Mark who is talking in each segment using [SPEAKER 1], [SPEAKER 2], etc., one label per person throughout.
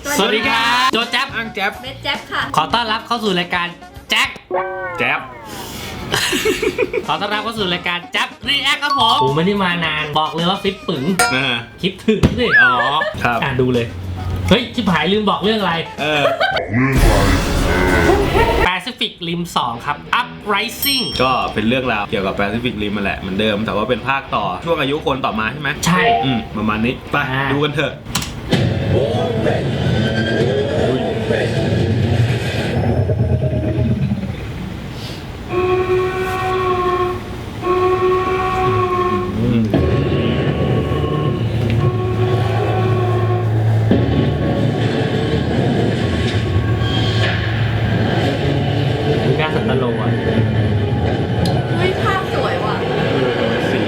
[SPEAKER 1] สวัสดีครับโจแจ๊บ
[SPEAKER 2] อังแจ๊บ
[SPEAKER 3] เบสแจ๊บค่ะ
[SPEAKER 1] ขอต้อนรับเข้าสู่รายการแจ๊บ
[SPEAKER 2] แจ๊บ
[SPEAKER 1] ขอต้อนรับเข้าสู่รายการแจ๊บรีแอคครับผมผมไม่ได้มานานบอกเลยว่าฟิตปึ๋ง
[SPEAKER 2] นะฮะ
[SPEAKER 1] คิดถึงสิ
[SPEAKER 2] อ๋อครับ
[SPEAKER 1] ดูเลยเฮ้ยชิบหายลืมบอกเรื่องอะไร Pacific Rim 2 ครับ Uprising
[SPEAKER 2] ก็เป็นเรื่องราวเกี่ยวกับแปซิฟิกริมมาแหละเหมือนเดิมแต่ว่าเป็นภาคต่อช่วงอายุคนต่อมาใช่ไหม
[SPEAKER 1] ใช่
[SPEAKER 2] ประมาณนี้ไป
[SPEAKER 1] อ่า
[SPEAKER 2] ดูกันเถอะ
[SPEAKER 1] ดูหน้าสัตว์โลอ่ะ
[SPEAKER 3] อุ้ยภาพสวยว่ะ
[SPEAKER 2] สี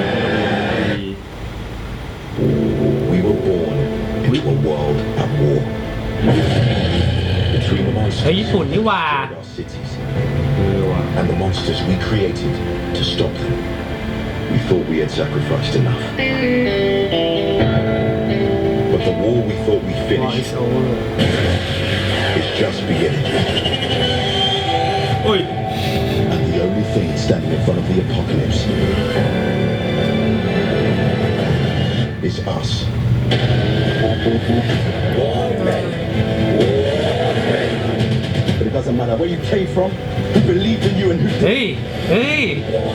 [SPEAKER 4] We were born into a world at war. Between the
[SPEAKER 1] เฮ้ย
[SPEAKER 4] monsters
[SPEAKER 1] ญี่ปุ่นนี่หว่า
[SPEAKER 4] of our cities and the monsters we created to stop them. We thought we had sacrificed enough. But the war we thought we finished is just beginning.
[SPEAKER 2] อุ้ย
[SPEAKER 4] And the only thing standing in front of the apocalypse is us. But it doesn't matter where you came from, who believed in you and who
[SPEAKER 1] เฮ้ย เฮ้ย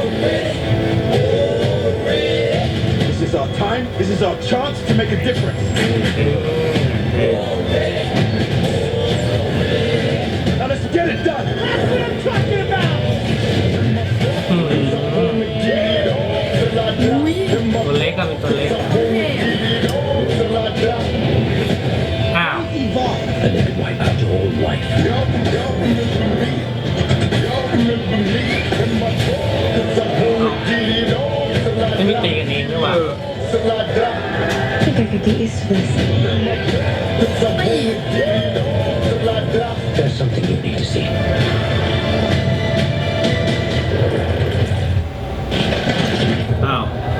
[SPEAKER 4] This is our time, this is our chance to make a difference. Now let's get it done. That's what I'm talking about.
[SPEAKER 1] ตัวเล็กก็เป็นตัวเล็กอ้าว
[SPEAKER 4] And they could wipe out your whole life.
[SPEAKER 1] ไม่มีตีกันเองด้วยว่ะ
[SPEAKER 5] I think I could get used to this.
[SPEAKER 4] There's something you need to see.
[SPEAKER 2] อ้าว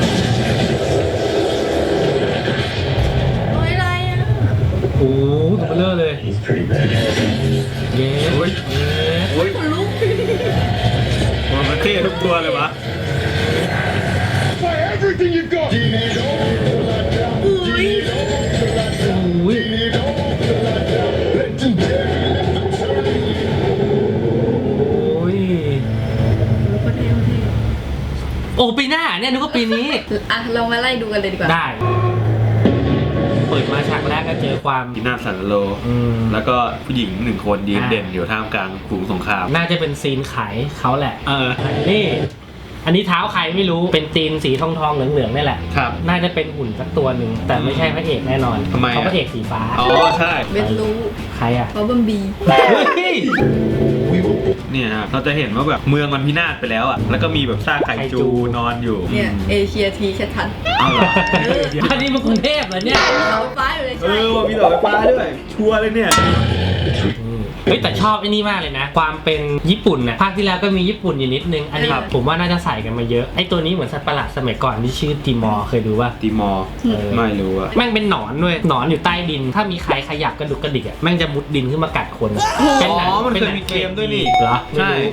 [SPEAKER 3] โอ้ยอะไรอ่ะ
[SPEAKER 1] โอ้โหตัวเบลอเลย
[SPEAKER 4] He's pretty bad.
[SPEAKER 1] เย้เย้
[SPEAKER 2] โอ้ย
[SPEAKER 3] คนลุก
[SPEAKER 2] มันเท่ทุกตัวเลยวะ
[SPEAKER 4] Fire everything you got.
[SPEAKER 3] อุ้ย
[SPEAKER 1] อุ้ย โอ้ย
[SPEAKER 3] โคตรเท่โคตรเท่
[SPEAKER 1] โอ้ปีหน้าเนี่ยนึกว่าปีนี้
[SPEAKER 3] อ่ะเรามาไล่ดูกันเลยดีกว่า
[SPEAKER 1] ได้ เปิดมาฉากแรกก็เจอความ
[SPEAKER 2] ที่หน้าสันโล
[SPEAKER 1] อืม
[SPEAKER 2] แล้วก็ผู้หญิงหนึ่งคนยืน
[SPEAKER 1] อ่า
[SPEAKER 2] เด่นอยู่ท่ามกลางฝูงสงคราม
[SPEAKER 1] น่าจะเป็นซีนขายเขาแหละ
[SPEAKER 2] เออ
[SPEAKER 1] นี่ อันนี้เท้าใครไม่รู้ เป็นตีนสีทองๆเหลืองๆนี่แหละ
[SPEAKER 2] ครับ
[SPEAKER 1] น่าจะเป็นหุ่นสักตัวหนึ่ง แต่ไม่ใช่พระเอกแน่นอน
[SPEAKER 2] ทำไมอะ
[SPEAKER 1] เขาพระเอกสีฟ้า
[SPEAKER 2] อ๋อใช่
[SPEAKER 3] เบสรู้
[SPEAKER 1] ใครอ่ะ
[SPEAKER 3] เพราะบัมบี
[SPEAKER 1] เฮ้ย
[SPEAKER 4] We were born.
[SPEAKER 2] เนี่ยครับเราจะเห็นว่าแบบเมืองมันพินาศไปแล้วอ่ะ แล้วก็มีแบบซากไข่จูนอนอยู่
[SPEAKER 3] เนี่ยเอเชียทีแค่ทัน
[SPEAKER 2] เอาเหรอ
[SPEAKER 1] อันนี้มันกรุงเทพเหรอเนี่ย
[SPEAKER 3] เขาไฟฟ้าอยู่เลย
[SPEAKER 2] เอ
[SPEAKER 3] ใช่
[SPEAKER 2] อว่ามีดอกไฟฟ้าด้วย ชัวร์เลยเนี่ย
[SPEAKER 1] เฮ้ยแต่ชอบไอ้นี่มากเลยนะ ความเป็นญี่ปุ่นนะภาคที่แล้วก็มีญี่ปุ่นอยู่นิดนึง อันนี้ผมว่าน่าจะใส่กันมาเยอะ ไอ้ตัวนี้เหมือนสัตว์ประหลาดสมัยก่อนที่ชื่อติมอร์เคยดูป่ะ
[SPEAKER 2] ตีมอร์
[SPEAKER 1] เออ
[SPEAKER 2] ไม่รู้อะ
[SPEAKER 1] แม่งเป็นหนอนด้วย หนอนอยู่ใต้ดิน ถ้ามีใครขยับกระดุกกระดิกอ่ะ แม่งจะมุดดินขึ้นมากัดคนเป็นหนัง
[SPEAKER 2] อ๋อมัน
[SPEAKER 1] ป็
[SPEAKER 2] เคย
[SPEAKER 1] หง
[SPEAKER 2] มีเกมด้วยนี่
[SPEAKER 1] เหรอ
[SPEAKER 2] ใช่
[SPEAKER 1] ไม่รู้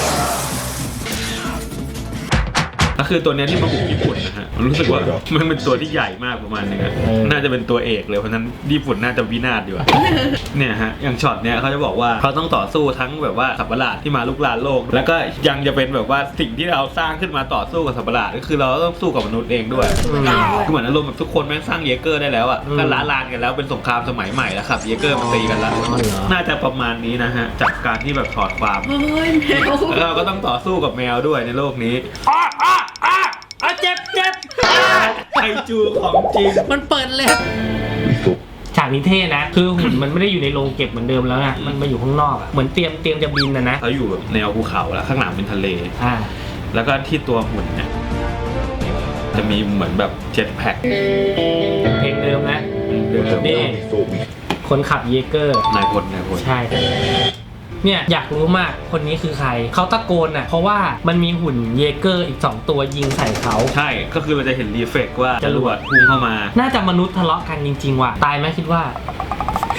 [SPEAKER 2] ก็คือตัวเนี้ยที่มาบุกญี่ปุ่นนะฮะรู้สึกว่ามันเป็นตัวที่ใหญ่มากประมาณนึงอะน่าจะเป็นตัวเอกเลยเพราะฉะนั้นญี่ปุ่นน่าจะวินาศอยู่อะ เนี่ยฮะอย่างช็อตเนี้ยเขาจะบอกว่าเขาต้องต่อสู้ทั้งแบบว่าสัตว์ประหลาดที่มาลุกลานโลก แล้วก็ยังจะเป็นแบบว่าสิ่งที่เราสร้างขึ้นมาต่อสู้กับสัตว์ประหลาดก็คือเราต้องสู้กับมนุษย์เองด้วยคือเหมือนอารมณ์แบบทุกคนแม่งสร้างเยเกอร์ได้แล้วอะก็ล้าลานกันแล้วเป็นสงครามสมัยใหม่แล้วครับเยเกอร์มาตีกันแล้วน่าจะประมาณนี้นะฮะจากการที่แบบถอดความ
[SPEAKER 3] เฮ้ยแมว
[SPEAKER 2] แล้วเราก็ต้องต่อสู้กับแมวด้วยในโลกนี้
[SPEAKER 1] เจ็บเจ็บ
[SPEAKER 2] ไคจูของจริง
[SPEAKER 1] มันเปิดเลย
[SPEAKER 4] We thought
[SPEAKER 1] ฉากนี้เท่นะ คือหุ่นมันไม่ได้อยู่ในโรงเก็บเหมือนเดิมแล้วนะมันมาอยู่ข้างนอกอะเหมือนเตรียมจะบินนะ
[SPEAKER 2] เขาอยู่แบบแนวภูเขาแล้วข้างหลังเป็นทะเล
[SPEAKER 1] อ่า
[SPEAKER 2] แล้วก็ที่ตัวหุ่นเนี่ยจะมีเหมือนแบบเจ็ตแพ็ค
[SPEAKER 1] เพลงเดิมนะ
[SPEAKER 2] เดิม
[SPEAKER 1] นี่
[SPEAKER 4] we thought we
[SPEAKER 1] คนขับเยเกอร์
[SPEAKER 2] นายพล
[SPEAKER 1] ใช่ เนี่ยอยากรู้มากคนนี้คือใคร เขาตะโกนอ่ะ เพราะว่ามันมีหุ่นเยเกอร์อีก 2 ตัวยิงใส่เขา
[SPEAKER 2] ใช่ก็คือเราจะเห็นรีเฟกว่าจรวดพุ่งเข้ามา
[SPEAKER 1] น่าจะมนุษย์ทะเลาะกันจริงๆว่ะ ตายไหมคิดว่า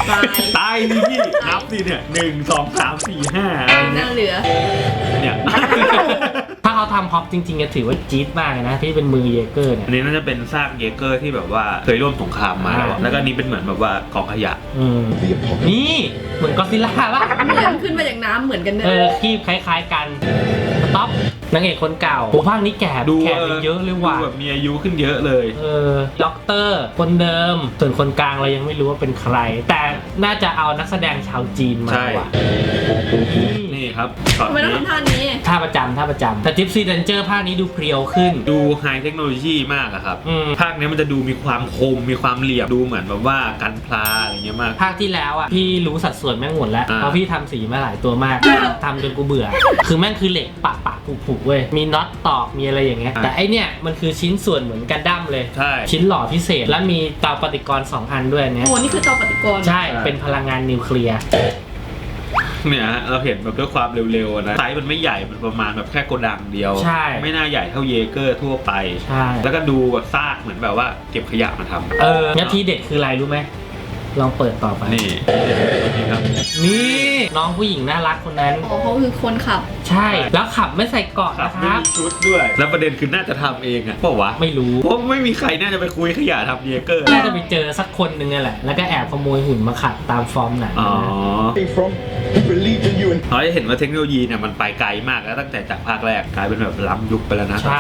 [SPEAKER 2] ตายนี่พี่นับสิเนี่ย1 2 3 4 5อะไร
[SPEAKER 3] ห
[SPEAKER 2] เนี่
[SPEAKER 3] น้าย เหลือ
[SPEAKER 2] เนี่ย
[SPEAKER 1] ถ้าเขาทำพ็อปจริงๆจะถือว่าจี๊ดมากเลยนะที่เป็นมือเยเกอร์เนี่ย
[SPEAKER 2] อันนี้น่าจะเป็นซากเยเกอร์ที่แบบว่าเคยร่วมสงครามมาแล้วอะแล้วก็อันนี้เป็นเหมือนแบบว่ากองขยะ
[SPEAKER 4] The apocalypse.
[SPEAKER 1] นี่เหมือนก็อดซิลล่าป่ะ
[SPEAKER 3] เหมือนขึ้นมาจากน้ำเหมือนกันเนี่ย
[SPEAKER 1] คีบคล้ายๆกันสต็อปนางเอกคนเก่าโหภาคนี้แก่
[SPEAKER 2] ดู
[SPEAKER 1] แก่ไปเยอะเลยว่ะ
[SPEAKER 2] ดูแบบมีอายุขึ้นเยอะเลย
[SPEAKER 1] ด็อกเตอร์คนเดิมส่วนคนกลางเรายังไม่รู้ว่าเป็นใคร แต่น่าจะเอานักแสดงชาวจีนมา
[SPEAKER 2] ใช่
[SPEAKER 1] ว่ะ
[SPEAKER 2] นี่ครับช็อต
[SPEAKER 3] ทำไมต้อง
[SPEAKER 2] นี้
[SPEAKER 3] ทำท่านี้
[SPEAKER 1] ท่าประจำแต่จิปซีเดนเจอร์ภาคนี้ดูเพรียวขึ้น
[SPEAKER 2] ดูไฮเทคโนโลยีมากอะครับ
[SPEAKER 1] อืม
[SPEAKER 2] ภาคนี้มันจะดูมีความคมมีความเหลี่ยมดูเหมือนแบบว่ากันพลาอะไรเงี้ยมาก
[SPEAKER 1] ภาคที่แล้วอ่ะพี่รู้สัดส่วนแม่งหมดแล้ว
[SPEAKER 2] อ่า
[SPEAKER 1] เพราะพี่ทำสีมาหลายตัวมากทำจนกูเบื่อ คือแม่งคือเหล็กปะผุเว้ยมีน็อตตอกมีอะไรอย่างเงี้ยแต่ไอเนี่ยมันคือชิ้นส่วนเหมือนกันดั้มเลย
[SPEAKER 2] ใช่
[SPEAKER 1] ชิ้นหล่อพิเศษแล้วมีเตาปฏิกรณ์2 อันด้วยอันเนี้ย
[SPEAKER 3] โอ้นี่คือเตาปฏิกรณ์
[SPEAKER 1] ใช่เป็นพลังงานนิวเคลียร์
[SPEAKER 2] เนี่ยฮะเราเห็นแบบด้วยความเร็วๆอะนะไซส์มันไม่ใหญ่มันประมาณแบบแค่โกดังเดียว
[SPEAKER 1] ใช่
[SPEAKER 2] ไม่น่าใหญ่เท่าเยเกอร์ทั่วไป
[SPEAKER 1] ใช่
[SPEAKER 2] แล้วก็ดูแบบซากเหมือนแบบว่าเก็บขยะมาทำ
[SPEAKER 1] งั้นทีเด็ดคืออะไรรู้ไหมลองเปิดต่อไป
[SPEAKER 2] นี่นี่ครับ
[SPEAKER 1] นี่น้องผู้หญิงน่ารักคนนั้น
[SPEAKER 3] อ๋อเขาคือคนขับ
[SPEAKER 1] ใช่แล้วขับไม่ใส่เกราะ
[SPEAKER 2] ขับ
[SPEAKER 1] นะค
[SPEAKER 2] ไม่
[SPEAKER 1] รับ
[SPEAKER 2] มีชุดด้วย แล้วประเด็นคือน่าจะทำเองอะเปล่าวะ
[SPEAKER 1] ไม่รู้
[SPEAKER 2] เพราะไม่มีใครน่าจะไปคุยขยะทำเยเกอร์
[SPEAKER 1] น่าจะไปเจอสักคนหนึ่งนี่แหละ แล้วก็แอบขโมยหุ่นมาขับตามฟอร์มหนัง
[SPEAKER 2] อ๋อ
[SPEAKER 4] From who believed in you and
[SPEAKER 2] เราจะเห็นว่าเทคโนโลยีเนี่ยมันไปไกลมากแล้วตั้งแต่จากภาคแรกกลายเป็นแบบล้ำยุคไปแล้วนะ
[SPEAKER 1] ใช่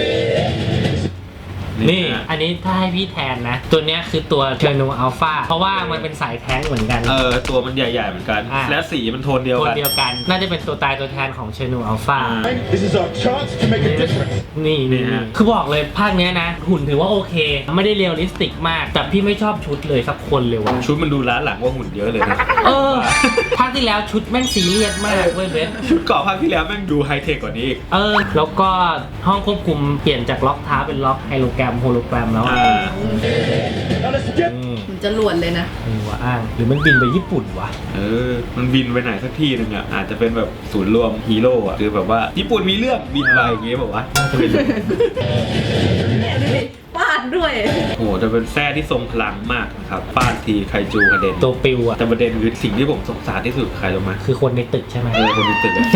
[SPEAKER 1] นี่
[SPEAKER 2] ฮะ
[SPEAKER 1] อันนี้ถ้าให้พี่แทนนะ ตัวเนี้ยคือตัวเทอร์โนอัลฟาเพราะว่ามันเป็นสายแท้งเหมือนกัน
[SPEAKER 2] ตัวมันใหญ่ๆเหมือนกัน
[SPEAKER 1] อ่า
[SPEAKER 2] และสีมันโทนเดียว
[SPEAKER 1] ตัว
[SPEAKER 2] กัน
[SPEAKER 1] เดียวกัน น่าจะเป็นตัวตายตัวแทนของเชนูอัลฟา
[SPEAKER 2] อ่า
[SPEAKER 4] this is our chance to make a difference.
[SPEAKER 1] นี่
[SPEAKER 2] นี่ฮะ
[SPEAKER 1] คือบอกเลยภาคเนี้ยนะ หุ่นถือว่าโอเค ไม่ได้เรียลลิสติกมาก แต่พี่ไม่ชอบชุดเลยสักคนเลยว่ะ
[SPEAKER 2] ชุดมันดูล้าหลังกว่าหุ่นเยอะเลยนะ
[SPEAKER 1] ภาคที่แล้วชุดแม่งซีเรียสมากเว้ยเบส
[SPEAKER 2] ชุดเกาะภาคที่แล้วแม่งดูไฮเทคกว่านี้อีก
[SPEAKER 1] แล้วก็ห้องควบคุมเปลี่ยนจากล็อกเท้าเป็นล็อกไฮโลแกรมแล้วอะ
[SPEAKER 4] Now let's get
[SPEAKER 3] มันจะหลวนเลยนะ
[SPEAKER 1] หัวอ้าง หรือมันบินไปญี่ปุ่นวะ
[SPEAKER 2] มันบินไปไหนสักที่หนึงอ่ะอาจจะเป็นแบบศูนย์รวมฮีโร่อ่ะคือแบบว่าญี่ปุ่นมีเรื่องบินไปอย่างเงี้ยบอกว่า
[SPEAKER 3] เนี่ยดูดิฟาดด้วย
[SPEAKER 2] โอ้โหจะเป็นแท้ที่ทรงพลังมากนะครับฟาดทีไคจูกระเด็น
[SPEAKER 1] ตัวปิวอะ
[SPEAKER 2] แต่ประเด็นคือสิ่งที่ผมสงสารที่สุดคือใครรู้ไหม
[SPEAKER 1] คือคนในตึกใช่ไหม
[SPEAKER 2] คนในตึกอะ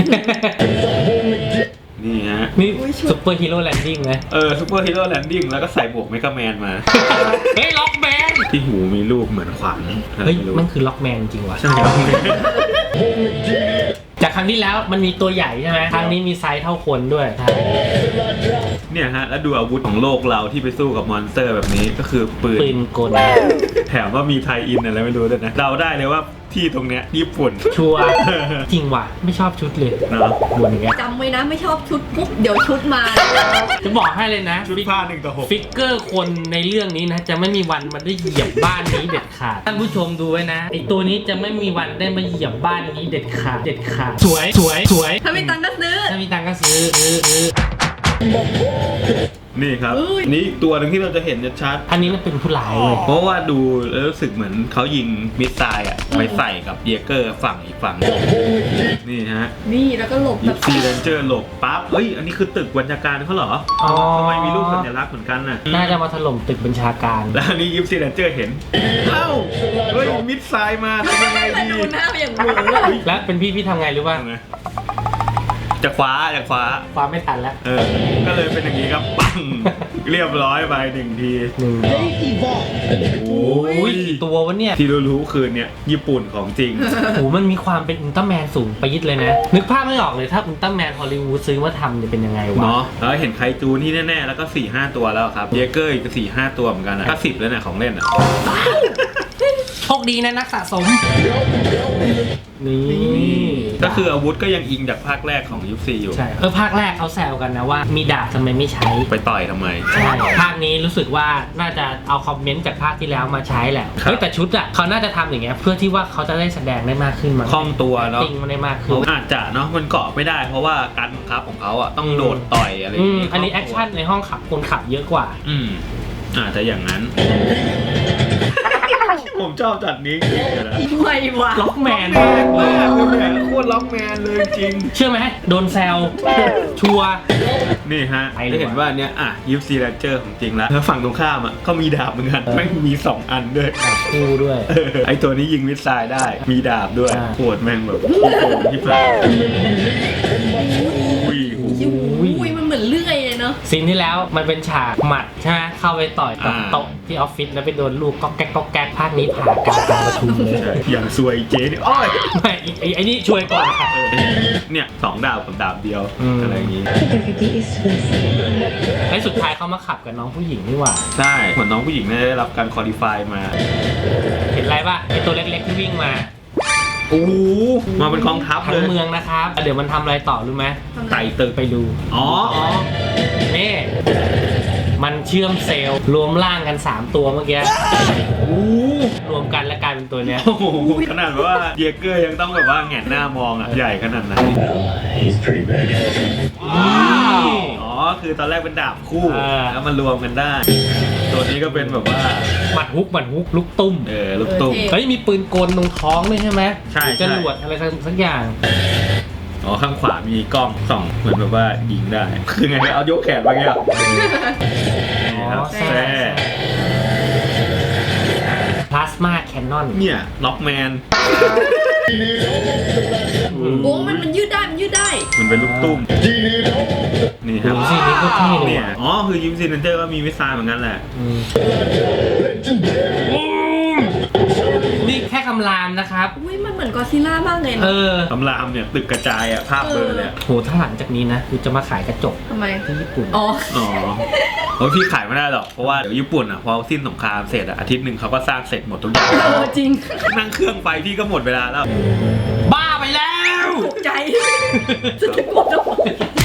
[SPEAKER 2] นี่ฮะ
[SPEAKER 1] นี่
[SPEAKER 3] อุ๊ยชุด
[SPEAKER 1] ซุปเปอร์ฮีโร่แลนดิ้งไหม
[SPEAKER 2] ซูเปอร์ฮีโร่แลนดิ้งแล้วก็ใส่หมวกเมกาแมนมา
[SPEAKER 1] เฮ้ยล็อกแมน
[SPEAKER 2] ที่หูมีรูปเหมือนขวาน
[SPEAKER 1] เฮ้ย
[SPEAKER 2] ไม่รู้
[SPEAKER 1] มันคือล็อกแมนจริงวะ
[SPEAKER 2] ใช่ครับ
[SPEAKER 1] จากครั้งที่แล้วมันมีตัวใหญ่ใช่ไหมครั้งนี้มีไซส์เท่าคนด้วยใช่
[SPEAKER 2] เนี่ยฮะแล้วดูอาวุธของโลกเราที่ไปสู้กับมอนสเตอร์แบบนี้ก็คือปืน
[SPEAKER 1] ปืนกล
[SPEAKER 2] แถมว่ามีไทยอินอะไรไม่รู้ด้วยนะเราได้เลยว่าที่ตรงเนี้ยญี่ปุ่น
[SPEAKER 1] ชัวร์จริงว่ะไม่ชอบชุดเลย
[SPEAKER 2] เนาะ
[SPEAKER 1] ด่วนอย่างเงี้ย
[SPEAKER 3] จำไว้นะไม่ชอบชุดปุ๊บเดี๋ยวชุดมา
[SPEAKER 1] จะบอกให้เลยนะ
[SPEAKER 2] ชุดผ้า1:6
[SPEAKER 1] ฟิกเกอร์คนในเรื่องนี้นะ จะไม่มีวันมันได้เหยียบบ้านนี้เด็ดขาดท่านผู้ชมดูไว้นะไอตัวนี้จะไม่มีวันได้มาเหยียบบ้านนี้เด็ดขาดสวย
[SPEAKER 3] ถ้ามีตังค์ก็ซื้อ
[SPEAKER 1] ถ้ามีตังค์ก็ซื้อ
[SPEAKER 2] นี่ครับ
[SPEAKER 3] อุ้ย
[SPEAKER 2] นี่อีกตัวหนึงที่เราจะเห็นชัด
[SPEAKER 1] อันนี้มันเป็นผู้ร้ายเลย
[SPEAKER 2] ๆเพราะว่าดูแล้วรู้สึกเหมือนเขายิงมิสไซล์อะไปใส่กับเยเกอร์ฝั่งอีกฝั่งหนึ่งนี่ฮะ
[SPEAKER 3] นี่แล้วก็หลบแบ
[SPEAKER 2] ยิ
[SPEAKER 3] บ
[SPEAKER 2] ปซีเรนเจอร์หลบปั๊บเฮ้ยอันนี้คือตึกบัญชาการเขาเหรอ
[SPEAKER 1] อ๋อ
[SPEAKER 2] ทำไมมีรูปสัญลักษณ์เหมือนกันน่ะ
[SPEAKER 1] น่าจะมาถล่มตึกบัญชาการ
[SPEAKER 2] แล้วอันนี้ยิปซีเรนเจอร์เห็นเอ้าเฮ้ยมิสไซล์มาทำยังไง
[SPEAKER 3] มัน
[SPEAKER 2] ดี
[SPEAKER 3] ดูหน้าอย่างหมูอะ
[SPEAKER 1] และเป็นพี่ทำไงรู้ป่ะ
[SPEAKER 2] ทำไงจะคว้า
[SPEAKER 1] ความไม่ทันแล้ว
[SPEAKER 2] ก็เลยเป็นอย่างนี้ครับปังเรียบร้อยไป1 ที
[SPEAKER 1] หนึ่ง
[SPEAKER 2] โอ้ย
[SPEAKER 1] กี่ตัววะเนี่ย
[SPEAKER 2] ที่รู้ๆคือเนี่ยญี่ปุ่นของจริง
[SPEAKER 1] โอ้โหมันมีความเป็นอุลตร้าแมนสูงไปยิดเลยนะ นึกภาพไม่ออกเลยถ้าอุลตร้าแมนฮอลลีวูดซื้อมาทำจะเป็นยังไงวะ
[SPEAKER 2] เนาะแล้วเห็นไคจูนี่แน่ๆ แล้วก็ 4-5 ตัวแล้วครับ เยเกอร์อีก 4-5 ตัวเหมือนกันนะก็10แล้วเนี่ยของเล่นอ่ะ
[SPEAKER 1] โชคดีนะนักสะสม นี่
[SPEAKER 2] ก็คืออาวุธก็ยังอิงจากภาคแรกของยุค4อยู่
[SPEAKER 1] ใช่ภาคแรกเขาแซวกันนะว่า มีดาบทำไมไม่ใช้
[SPEAKER 2] ไปต่อยทำไม
[SPEAKER 1] ใช่ภาคนี้รู้สึกว่าน่าจะเอาคอมเมนต์จากภาคที่แล้วมาใช้แหละ
[SPEAKER 2] ครับ
[SPEAKER 1] เฮ้ยแต่ชุดอ่ะเขาน่าจะทำอย่างเงี้ยเพื่อที่ว่าเขาจะได้แสดงได้มากขึ้นมั้ง
[SPEAKER 2] คล่องตัวเนาะ
[SPEAKER 1] ติงมันได้มากขึ้น
[SPEAKER 2] อาจจะเนาะมันเกาะไม่ได้เพราะว่าการบังคับของเขาอ่ะต้องโดดต่อยอะไรอย่างงี้
[SPEAKER 1] อันนี้แอคชั่นในห้องขับคนขับเยอะกว่า
[SPEAKER 2] อาจจะอย่างนั้น ผมชอบอบจัดนี้จริงๆนะ
[SPEAKER 3] ไม่วะ
[SPEAKER 1] ล็อกแมนมากเลย
[SPEAKER 2] โคตรล็อกแมนเลยจริง
[SPEAKER 1] เชื่อไหมโดนแซวชัวร์
[SPEAKER 2] นี่ฮะ
[SPEAKER 1] ไปเลย
[SPEAKER 2] ได้เห็นว่าเนี้ยยิปซีแรนเจอร์ของจริงแล้วฝั่งตรงข้ามก็มีดาบเหมือนกันแม่งมี2 อันด้วย
[SPEAKER 1] คู่ด้วย
[SPEAKER 2] ไอตัวนี้ยิงมิสไซล์ได้มีดาบด้วย
[SPEAKER 1] อ่า
[SPEAKER 2] โคตรแม่งแบบขี้โกงที่ผ่านอุ้ย
[SPEAKER 3] อุ้ยมันเหมือนเลื่อยเลยเนาะ
[SPEAKER 1] ซีนที่แล้วมันเป็นฉากหมัดใช่ไหมเข้าไปต่อยกับโต๊ะที่ออฟฟิศแล้วไปโดนลูกก๊อกแก๊กก๊อกแก๊กภาคนี้ผ่ากลางประชุมเลย
[SPEAKER 2] อย่างซวยเจ๊นี่อ้อย
[SPEAKER 1] ไม่ไอ้นี่ช่วยก่อนค่ะ
[SPEAKER 2] เนี่ย2 ดาบกับดาบเดียว
[SPEAKER 1] อืม
[SPEAKER 2] อะไรอย่างงี้
[SPEAKER 5] Kita is west.
[SPEAKER 1] ไอ้สุดท้ายเขามาขับกับน้องผู้หญิงนี่หว่า
[SPEAKER 2] ใช่เหมือนน้องผู้หญิงเนี่ยได้รับการคอลี่ฟายมา
[SPEAKER 1] เห็นอะไรป่ะไอ้ตัวเล็กๆที่วิ่งมา
[SPEAKER 2] โอ้โหมาเป็นกองทัพ
[SPEAKER 1] ทั้
[SPEAKER 2] เล
[SPEAKER 1] ง
[SPEAKER 2] ย
[SPEAKER 1] เมืองนะครับเดี๋ยวมันทำอะไรต่อรู้ไหม
[SPEAKER 2] ไต่ตึก
[SPEAKER 1] ไปดู
[SPEAKER 2] อ๋อ
[SPEAKER 1] นี่มันเชื่อมเซลล์รวมร่างกัน 3 ตัวเมื่อกี้
[SPEAKER 2] โอ้โห
[SPEAKER 1] รวมกันแล้วกลายเป็นตัวเนี้ย
[SPEAKER 2] โอ้โหขนาดแบบว่าเยเกอร์ยังต้องแบบว่าแหงนหน้ามองใหญ่ขนาดนั้น
[SPEAKER 4] He's pretty big.
[SPEAKER 2] อ๋อคือตอนแรกเป็นดาบคู่
[SPEAKER 1] อ่า
[SPEAKER 2] แล้วมันรวมกันได้ ตัวนี้ก็เป็นแบบว่า
[SPEAKER 1] หมัดฮุกลูกตุ้ม
[SPEAKER 2] ลูกตุ้ม
[SPEAKER 1] เฮ้ยมีปืนกลตรงท้องด้วยใช่ไหม
[SPEAKER 2] ใช่
[SPEAKER 1] จรวดอะไรสักอย่าง
[SPEAKER 2] อ๋อข้างขวามีกล้องส่องเหมือนแบบว่ายิงได้ คือไงเอายกแขนไปเงี้ยนี่ครับ
[SPEAKER 1] แซ่
[SPEAKER 2] แซ่
[SPEAKER 1] พลาสมาแคนนอน
[SPEAKER 2] เนี่ยล็อกแมน
[SPEAKER 3] โอ้มันยืดได้มันยืดได้
[SPEAKER 2] มันเป็นลูกตุ้มนี่ครับ
[SPEAKER 1] ดูสินี่ก็เท่เลย
[SPEAKER 2] เนี่ย
[SPEAKER 1] ว่ะ
[SPEAKER 2] อ๋อคือยิมซีเนเจอร์ก็มีมิสไซล์เหมือนกันแหละ
[SPEAKER 1] นี่แค่คำรามนะครับ
[SPEAKER 3] อุ้ยมันเหมือนกอซิลล่ามากเลย
[SPEAKER 1] เอ
[SPEAKER 3] เนาะ
[SPEAKER 1] อ
[SPEAKER 2] ตำรามเนี่ยตึกกระจายภาพเบลอเลย
[SPEAKER 1] โหถ้าหลังจากนี้นะกูจะมาขายกระจก
[SPEAKER 3] ทำไม
[SPEAKER 1] ที่ญี่ปุ่น
[SPEAKER 3] อ๋อ
[SPEAKER 2] อ๋อโอ้ยพี่ขายไม่ได้หรอกเพราะว่าเดี๋ยวญี่ปุ่นพอสิ้นสงครามเสร็จอาทิตย์หนึ่งเขาก็สร้างเสร็จหมดทุกอย่าง
[SPEAKER 3] จริง
[SPEAKER 2] นั่งเครื่องไปพี่ก็หมดเวลาแล้ว
[SPEAKER 1] บ้าไปแล้ว
[SPEAKER 3] ตกใจจะตะโกนออกมา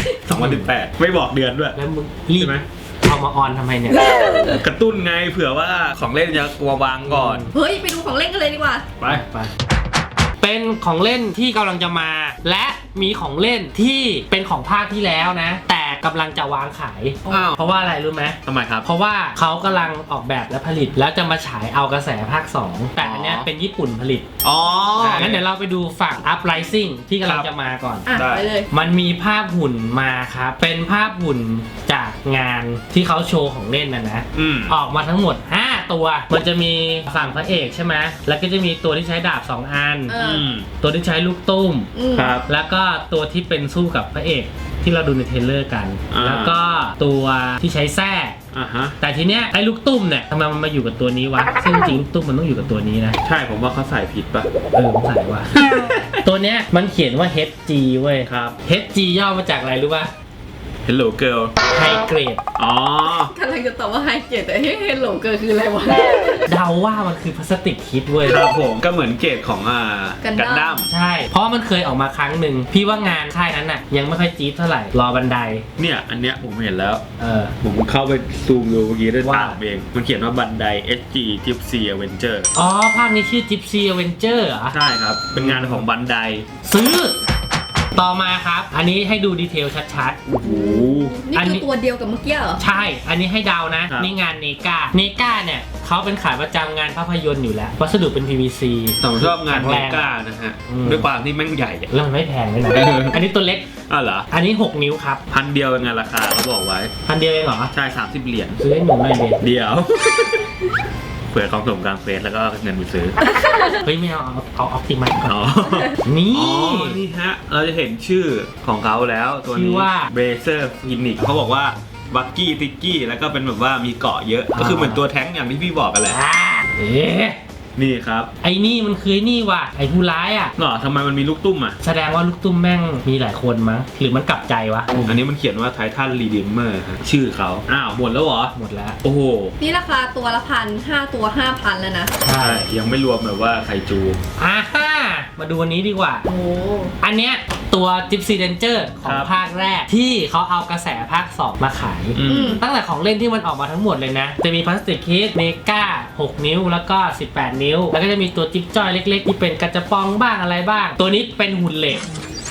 [SPEAKER 2] 2018ไม่บอกเดือนด้วย
[SPEAKER 1] แล้วมึงรีบ
[SPEAKER 2] ใช่ไหม
[SPEAKER 1] เอามาออนทำไมเนี่ย
[SPEAKER 2] กระตุ้นไงเผื่อว่าของเล่นจะกลัววางก่อน
[SPEAKER 3] เฮ้ย ไปดูของเล่นกันเลยดีกว่า
[SPEAKER 2] ไป
[SPEAKER 1] ไปเป็นของเล่นที่กำลังจะมา และมีของเล่นที่เป็นของภาคที่แล้วนะ แต่กำลังจะวางขาย
[SPEAKER 2] อ้าว
[SPEAKER 1] เพราะว่าอะไรรู้ไหม
[SPEAKER 2] ทำไมครับ
[SPEAKER 1] เพราะว่าเขากำลังออกแบบและผลิต แล้วจะมาฉายเอากระแสภาค 2 แต่อันเนี้ยเป็นญี่ปุ่นผลิต
[SPEAKER 2] อ๋อ
[SPEAKER 1] งั้นเดี๋ยวเราไปดูฝั่ง Uprising ที่กำลังจะมาก่อน
[SPEAKER 3] อ่ะ
[SPEAKER 2] ได้
[SPEAKER 3] ไปเลย
[SPEAKER 1] มันมีภาพหุ่นมาครับ เป็นภาพหุ่นจากงานที่เขาโชว์ของเล่นนะ
[SPEAKER 2] อืม
[SPEAKER 1] ออกมาทั้งหมด 5 ตัว มันจะมีฝั่งพระเอกใช่ไหมแล้วก็จะมีตัวที่ใช้ดาบ 2 อัน
[SPEAKER 3] เอ
[SPEAKER 2] อืม
[SPEAKER 1] ตัวที่ใช้ลูกตุ้ม
[SPEAKER 3] อืม
[SPEAKER 2] ครับ
[SPEAKER 1] แล้วก็ตัวที่เป็นสู้กับพระเอกที่เราดูในเทรลเลอร์กัน
[SPEAKER 2] อ่า
[SPEAKER 1] แล้วก็ตัวที่ใช้แส้
[SPEAKER 2] อ่ะฮะ
[SPEAKER 1] แต่ทีเนี้ยไอ้ลูกตุ้มเนี่ยทำไมมันมาอยู่กับตัวนี้วะ ซึ่งจริงๆลูกตุ้มมันต้องอยู่กับตัวนี้นะ
[SPEAKER 2] ใช่ผมว่าเขาใส่ผิดป่ะ
[SPEAKER 1] ผมใส่ว่า ตัวเนี้ยมันเขียนว่า HG เว้ย
[SPEAKER 2] ครับ
[SPEAKER 1] HG ย่อมาจากอะไรรู้ป่ะ
[SPEAKER 2] Hello Girl
[SPEAKER 1] ไฮเกรด
[SPEAKER 2] อ๋อ
[SPEAKER 3] กำลังจะตอบว่าไฮเกตแต่เฮ้ยเฮลโหลเกิร์คืออะไรวะ
[SPEAKER 1] เดาว่ามันคือพลาสติกคิดเว้ย
[SPEAKER 2] ครับผมก็เหมือนเกรดของ
[SPEAKER 3] กันดั้ม
[SPEAKER 2] ดั้ม
[SPEAKER 1] ใช่ เพราะมันเคยออกมาครั้งหนึ่งพี่ว่างานค่ายนั้นน่ะยังไม่ค่อยจี๊ดเท่าไหร่ รอบันได
[SPEAKER 2] เนี่ยอันเนี้ยผมเห็นแล้ว
[SPEAKER 1] เออ
[SPEAKER 2] ผมเข้าไปซูมดูเมื่อกี้ด้วย
[SPEAKER 1] ว่า
[SPEAKER 2] ตาเอง มันเขียนว่าบันได SG Gypsy Avenger
[SPEAKER 1] อ๋อ ภาคนี้ชื่อ Gypsy Avenger เหรอ
[SPEAKER 2] ใช่ครับ เป็นงานของบันได
[SPEAKER 1] ซื้อ ต่อมาครับ อันนี้ให้ดูดีเทลชัด
[SPEAKER 2] โอ้โห
[SPEAKER 3] นี่
[SPEAKER 1] อัน
[SPEAKER 3] คื
[SPEAKER 1] นี้
[SPEAKER 3] อตัวเดียวกับเมื่อกี้เหรอ
[SPEAKER 1] ๆ ใช่ อันนี้ให้เดานะ
[SPEAKER 2] ครับ
[SPEAKER 1] นี่งานเนกาเนี่ยเขาเป็นขายประจำงานภาพยนตร์อยู่แล้ว วัสดุเป็น PVC
[SPEAKER 2] แต่ผมชอบงาน
[SPEAKER 1] แข็
[SPEAKER 2] เม
[SPEAKER 1] แรง
[SPEAKER 2] กานะฮะ
[SPEAKER 1] อืม
[SPEAKER 2] ด้วยความที่แม่งใหญ่อะ
[SPEAKER 1] แล้วมันไม่แพงเลยนะ อันนี้ตัวเล็ก
[SPEAKER 2] อ้าวเหรอ
[SPEAKER 1] อันนี้ 6 นิ้วครับ
[SPEAKER 2] พันเดียวเป็นไงราคาเขาบอกไว้
[SPEAKER 1] พันเดียวเองเหรอ
[SPEAKER 2] ใช่ 30 เหรียญ
[SPEAKER 1] ซื้อให้หนูหน่อยเด็
[SPEAKER 2] เดียว เผื่อกองสมกลางเฟสแล้วก็เงินไปซื้อ
[SPEAKER 1] เฮ้ยไม่เอาออปติมัสก่อน
[SPEAKER 2] อ๋อ
[SPEAKER 1] นี่
[SPEAKER 2] อ๋อ นี่ฮะ เราจะเห็นชื่อของเขาแล้วตัว
[SPEAKER 1] ชื่
[SPEAKER 2] นี้
[SPEAKER 1] อว่า
[SPEAKER 2] เบเซอร์ฟินิกเขาบอกว่าบักกี้ติกกี้แล้วก็เป็นแบบว่ามีเกาะเยอะ ก็คือเหมือนตัวแท้งอย่างที่พี่บอกกันแหละ
[SPEAKER 1] อ่าเอ๊ะ
[SPEAKER 2] นี่ครับ
[SPEAKER 1] ไอ้นี่มันคือไอ้นี่ว่ะไอ้ผู้ร้ายอ่ะ
[SPEAKER 2] หรอทำไมมันมีลูกตุ้มอ่ะ
[SPEAKER 1] แสดงว่าลูกตุ้มแม่งมีหลายคนมั้งหรือมันกลับใจวะ
[SPEAKER 2] อันนี้มันเขียนว่าไททันรีดิมเมอร์ชื่อเขาอ้าวหมดแล้วเหรอ
[SPEAKER 1] หมดแล้ว
[SPEAKER 2] โอ้โห
[SPEAKER 3] นี่ราคาตัวละ1,000 5 ตัว 5,000 แล้วนะ
[SPEAKER 1] ใช่
[SPEAKER 2] ยังไม่รวมแบบว่าไคจู
[SPEAKER 1] อ่าฮ่ามาดูอันนี้ดีกว่า
[SPEAKER 3] โอ้
[SPEAKER 1] อันเนี้ยตัว Gypsy Danger ของภาคแรกที่เขาเอากระแสภาค 2 มาขาย
[SPEAKER 2] อืม
[SPEAKER 1] ตั้งแต่ของเล่นที่มันออกมาทั้งหมดเลยนะ จะมีพลาสติกคิดเมกา6 นิ้วแล้วก็ 18 นิ้ว แล้วก็จะมีตัวจิ๊บจ้อยเล็กๆ ที่เป็นกระจะปองบ้างอะไรบ้าง ตัวนี้เป็นหุ่นเหล็ก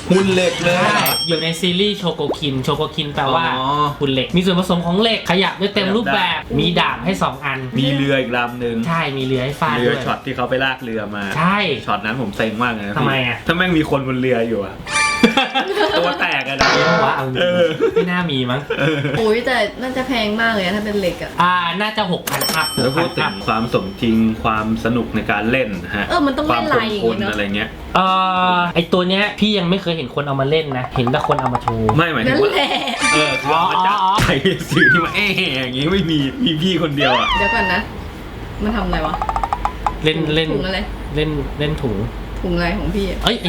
[SPEAKER 2] หุ่นเหล็กเลย
[SPEAKER 1] ใช่อยู่ในซีรีส์โชโกคินแปลว่า
[SPEAKER 2] อ๋อ
[SPEAKER 1] หุ่นเหล็กมีส่วนผสมของเหล็กขยับได้เต็มรูปแบบมีดาบให้2อัน
[SPEAKER 2] มีเรืออีกลำหนึ่ง
[SPEAKER 1] ใช่มีเรือให้ฟาด
[SPEAKER 2] เรื
[SPEAKER 1] ด้
[SPEAKER 2] อ
[SPEAKER 1] วย
[SPEAKER 2] ช็อตที่เขาไปลากเรือมา
[SPEAKER 1] ใช่
[SPEAKER 2] ช็อตนั้นผมเซ็งมากเลยนะ
[SPEAKER 1] ทำไมอะ
[SPEAKER 2] ถ้าแม่งมีคนบนเรืออยู่อะ ตัวแตกอะนะ
[SPEAKER 1] มีปะวะเอาจริง
[SPEAKER 2] เออ
[SPEAKER 1] ไม่น่ามีมั้ง
[SPEAKER 3] โอ้ยแต่น่าจะแพงมากเลยอะถ้าเป็นเหล็กอะ
[SPEAKER 1] น่าจะ6,000ครับ
[SPEAKER 2] แล้วพูดถึงความสมจริงความสนุกในการเล่นนะฮะ
[SPEAKER 3] มันต้อง
[SPEAKER 2] ควา
[SPEAKER 3] เล่
[SPEAKER 2] ม
[SPEAKER 3] น
[SPEAKER 2] ค
[SPEAKER 3] ลายอย่าง
[SPEAKER 2] น
[SPEAKER 3] งี้เนาะ
[SPEAKER 2] อะไรเงี้ย
[SPEAKER 1] ไอตัวเนี้ยพี่ยังไม่เคยเห็นคนเอามาเล่นนะ เห็นแต่คนเอามาโชว์
[SPEAKER 2] ไม่หมายถึ
[SPEAKER 3] นั่
[SPEAKER 2] ง
[SPEAKER 3] น
[SPEAKER 2] ว่า
[SPEAKER 3] แหละ
[SPEAKER 2] คือเอามาจากไอ้สื่อที่มาอย่างงี้ไม่มีพี่คนเดียวอะ
[SPEAKER 3] เดี๋ยวก่อนนะ มันทำอะไรวะ
[SPEAKER 1] เล่น
[SPEAKER 3] ถุงอะไร
[SPEAKER 1] เล่นถุง
[SPEAKER 3] ถุงอะไรของพี่อะ
[SPEAKER 1] เอ้ย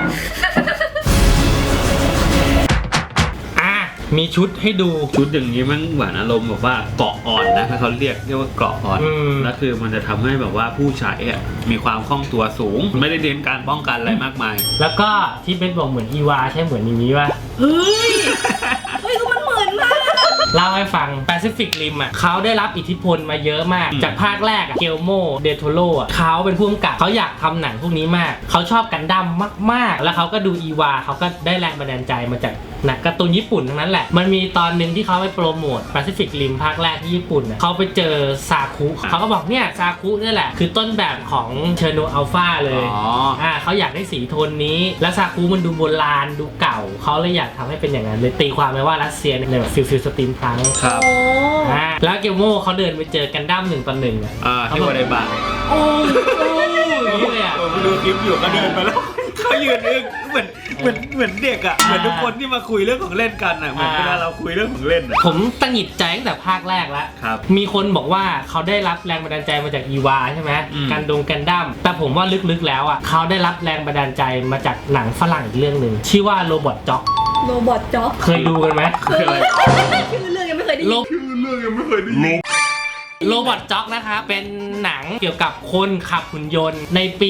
[SPEAKER 1] มีชุดให้ดู
[SPEAKER 2] ชุดอย่างนี้มันหวานอารมณ์แบบว่าเกราะอ่อนนะถ้าเขาเรียกว่าเกราะอ่อน แล้วคือมันจะทำให้แบบว่าผู้ใช้อะมีความคล่องตัวสูง ไม่ได้เน้นการป้องกันอะไรมากมาย
[SPEAKER 1] แล้วก็ที่เป็นบอกเหมือนอีวาใช่เหมือนอย่างนี้ป่ะ
[SPEAKER 3] เฮ้ยก็มันเหมือนมาก
[SPEAKER 1] เล่าให้ฟังแปซิฟิกริมอ่ะเขาได้รับอิทธิพลมาเยอะมาก จากภาคแรกเกลโมเดโทโรอ่ะเขาเป็นผู้กำกับเขาอยากทำหนังพวกนี้มากเขาชอบกันดั้มมากๆแล้วเขาก็ดูอีวาเขาก็ได้แรงบันดาลใจมาจากหนังการ์ตูนญี่ปุ่นทั้งนั้นแหละมันมีตอนหนึ่งที่เขาไปโปรโมทแปซิฟิกริมภาคแรกที่ญี่ปุ่นเขาไปเจอซาคุเขาก็บอกเนี่ยซาคุนี่แหละคือต้นแบบของเชอร์โนอัลฟาเลยเขาอยากได้สีโทนนี้แล้วซาคุมันดูโบราณดูเก่าเขาเลยอยากทำให้เป็นอย่างนั้นเลยตีความไปว่ารัสเซียในแบบฟิลสตรีมพลัง
[SPEAKER 2] ครับ
[SPEAKER 1] แล้วเกลโม่เขาเดินไปเจอกันดั้ม1-1
[SPEAKER 2] ที่ว่าได้บ้าง
[SPEAKER 1] โอ้อย่างนี้เลยอ่ะ
[SPEAKER 2] ผมดูคลิปอยู่ก็เดินไปแล้วเขายืนอึ้งเหมือนเด็กอ่ะเหมือนทุกคนที่มาคุยเรื่องของเล่นกันอ่ะเหมือนเวลาเราคุยเรื่องของเล่นอ่ะ
[SPEAKER 1] ผมตังหงิดใจตั้งแต่ภาคแรกแล้ว
[SPEAKER 2] ครับ
[SPEAKER 1] มีคนบอกว่าเขาได้รับแรงบันดาลใจมาจากอีวาใช่ไหม กันดั้มแต่ผมว่าลึกๆแล้วอ่ะเขาได้รับแรงบันดาลใจมาจากหนังฝรั่งอีกเรื่องหนึ่งชื่อว่าโรบอทจ็อก
[SPEAKER 3] โรบอทจ็อก
[SPEAKER 1] เคยดูกันไหม
[SPEAKER 2] คืออะไร
[SPEAKER 3] ชื่อเรื่องยังไม่เคยได้ยิน
[SPEAKER 1] โรบอทจ็อกนะคะเป็นหนังเกี่ยวกับคนขับหุ่นยนต์ในปี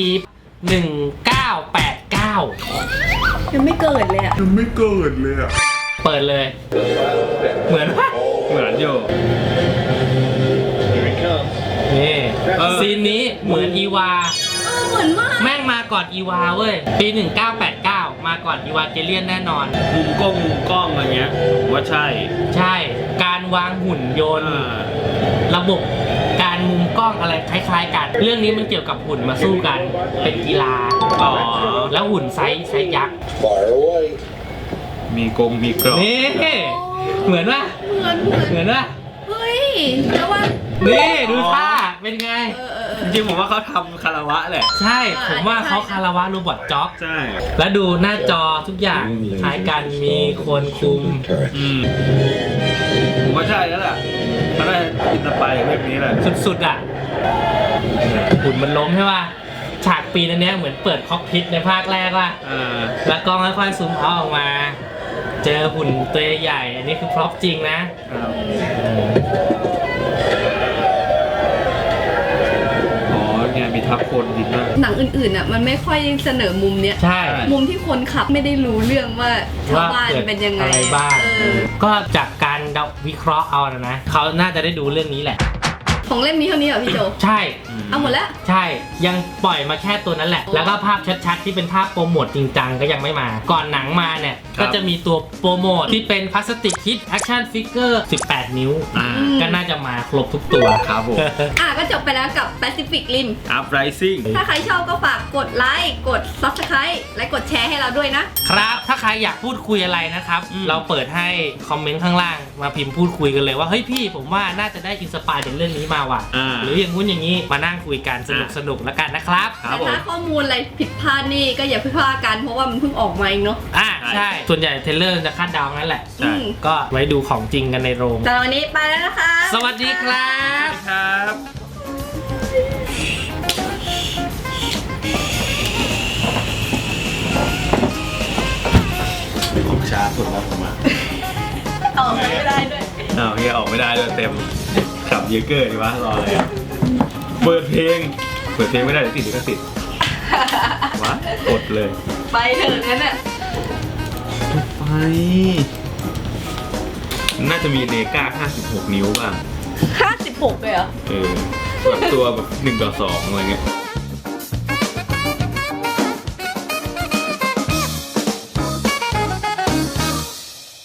[SPEAKER 1] 1989
[SPEAKER 3] ยังไม่เกิดเลยอะ
[SPEAKER 1] เปิดเลย เหมือนปะ
[SPEAKER 2] เหมือนอยู่
[SPEAKER 1] นี่ซีนนี้เหมือนอีวา
[SPEAKER 3] เหมือนมาก
[SPEAKER 1] แม่งมาก่อนอีวาเว้ย ปี 1989 มาก่อนอีวาเกเลียนแน่นอน
[SPEAKER 2] มุมกล้องอะไรเงี้ยผมว่าใช่
[SPEAKER 1] ใช่ การวางหุ่นยนต์ ระบบการมุมกล้องอะไรคล้ายๆกัน เรื่องนี้มันเกี่ยวกับหุ่นมาสู้กัน เป็นกีฬา แล้วหุ่นไซส์ยักษ์
[SPEAKER 2] มีกรอบ
[SPEAKER 1] นี่ เหมือนปะ
[SPEAKER 3] เหมือน
[SPEAKER 1] ปะ
[SPEAKER 3] เฮ้ยแล้วว่า
[SPEAKER 1] นี่ดูท่า เป็นไง
[SPEAKER 2] จริงๆผมว่าเขาทำคาราวะแหละ
[SPEAKER 1] ใช่ ผมว่าเขาคาราวะโรบอทจ็อก
[SPEAKER 2] ใช่
[SPEAKER 1] แล้วดูหน้าจอทุกอย่างคล้ายกันมีคนคุม
[SPEAKER 2] ผมว่าใช่แล้วแหละเขาได้อินสไปร์เรื่องนี้แหละ
[SPEAKER 1] สุดๆอ่ะหุ่นมันล้มใช่ป่ะ ฉากปีนั้นเนี้ยเหมือนเปิดคอกพิทในภาคแรกว่ะแล้วกล้องค่อยๆซูมเอาออกมา เจอหุ่นตัวใหญ่ อันนี้คือพร็อพจริงนะ
[SPEAKER 2] เนี่ยมีทับคนจริงมาก
[SPEAKER 3] หนังอื่นๆอ่ะมันไม่ค่อยเสนอมุมเนี้ย
[SPEAKER 1] ใช่
[SPEAKER 3] มุมที่คนขับไม่ได้รู้เรื่องว่าชาวบ้าน
[SPEAKER 1] กิด
[SPEAKER 3] เป็นยังไง
[SPEAKER 1] อะไรบ้าง
[SPEAKER 3] ก็
[SPEAKER 1] ก็จากการวิเคราะห์เอานะเขาน่าจะได้ดูเรื่องนี้แหละ
[SPEAKER 3] ของเล่มนี้เท่านี้เหรอพี่โจ
[SPEAKER 1] ใช่
[SPEAKER 3] เอาหมดแล้ว
[SPEAKER 1] ใช่ ยังปล่อยมาแค่ตัวนั้นแหละ แล้วก็ภาพชัดๆที่เป็นภาพโปรโมทจริงจังก็ยังไม่มา ก่อนหนังมาเนี่ย ก็จะมีตัวโปรโมทที่เป็นพลาสติกคิดแอคชั่นฟิกเกอร์18 นิ้ว ก็น่าจะมาครบทุกตัว
[SPEAKER 2] ครับผม
[SPEAKER 3] ก็จบไปแล้วกับ Pacific Rim
[SPEAKER 2] Uprising
[SPEAKER 3] ถ้าใครชอบก็ฝากกดไลค์ กด Subscribe และกดแชร์ให้เราด้วยนะ
[SPEAKER 1] ครับ ถ้าใครอยากพูดคุยอะไรนะครับ เราเปิดให้คอมเมนต์ข้างล่างมาพิมพ์พูดคุยกันเลยว่า เฮ้ยพี่ผมว่าน่าจะได้อินสปายจากเรื่องนี้มาว่ะ หรืออย่างงู้นอย่างนี้มานั่งคุยกันสนุกแล้วกันนะครับ
[SPEAKER 3] แต่ถ้าข้อมูลอะไรผิดพลาดนี่ก็อย่าเพิ่งพลาดกันเพราะว่ามันเพิ่งออกมาเองเนาะ
[SPEAKER 1] ใช่ ส่วนใหญ่เทรลเลอร์จะคาดเดางั้นแหละ ก็ไว้ดูของจริงกันในโรง
[SPEAKER 3] แต่วันนี้ไปแล้วนะคะ
[SPEAKER 1] สวัสดีครับ
[SPEAKER 2] ครับ ของชาสุดแล้วผมอ่ะ
[SPEAKER 3] ออกไม่ได้ด้วย
[SPEAKER 2] เฮียออกไม่ได้เลยเต็มขับเยเกอร์ดีวะรออะไรอ่ะเปิดเพลงไม่ได้เดี๋ยวติดลิขสิทธิ์วะกดเลย
[SPEAKER 3] ไปเถอะงั้นน่ะ
[SPEAKER 2] ไปน่าจะมีเนก้า56 นิ้วบ้าง
[SPEAKER 3] 56เลยเหรอ
[SPEAKER 2] แบบตัวแบบ1:2อะไรเงี้ย